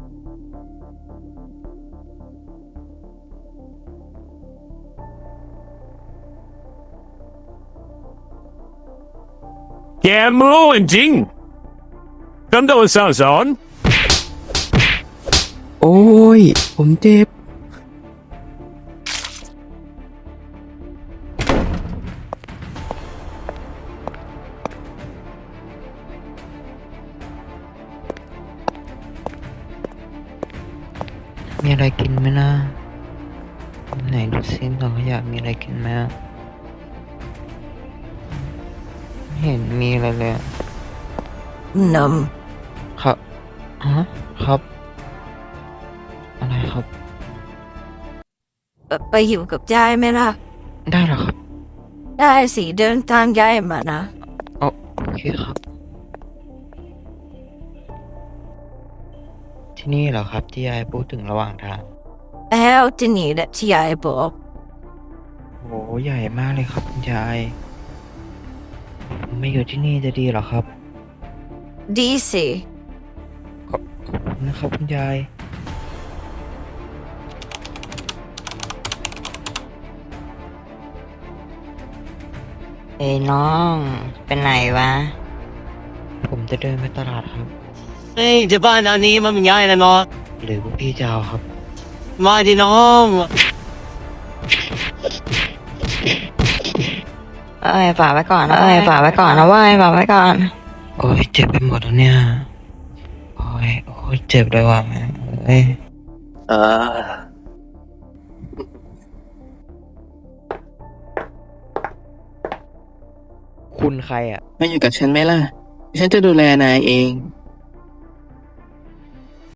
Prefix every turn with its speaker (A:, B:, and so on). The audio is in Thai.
A: แกมันโง่จริงฉันโดนสั่งสอน
B: โอ้ย ผมเจ็บ
C: มีอะไรกินไหมนะไหนดูซิเราอยากมีอะไรกินไหมอะไม่เห็นมีอะไรเลยอะ
D: น
C: ครับฮะครับ อะไรครับ
D: ำไปอยู่กับยายไหมล่ะ
C: ได้เหรอครับ
D: ได้สิเดินตามยายมานะ
C: โอเคครับ ที่นี่เหรอครับที่ยายพูดถึงระหว่างทาง
D: แล้วที่นี่แหละที่ยายบอก
C: โหใหญ่มากเลยครับคุณยายผมไม่อยู่ที่นี่จะดีเหรอครับ
D: ดีสิ
C: ขอบคุณนะครับคุณยาย เอ้ยน้องเป็นไหนวะ ผมจะเดินไปตลาดครับ
E: เฮ้ยจะบ้านอันนี้มันเป็นยังไงนะน้อง
C: หรือพวกพี่จะเอาครับ
E: มาดิน้อง
C: ฝากไว้ก่อนนะฝากไว้ก่อนนะเว้ยฝากไว้ก่อน โอ้ยเจ็บไปหมดแล้วเนี่ย โอ้ยเจ็บเลยว่ะแม่งเอ้ย คุณใครอ่ะ
B: มาอยู่กับฉันไหมล่ะ ฉันจะดูแลนายเอง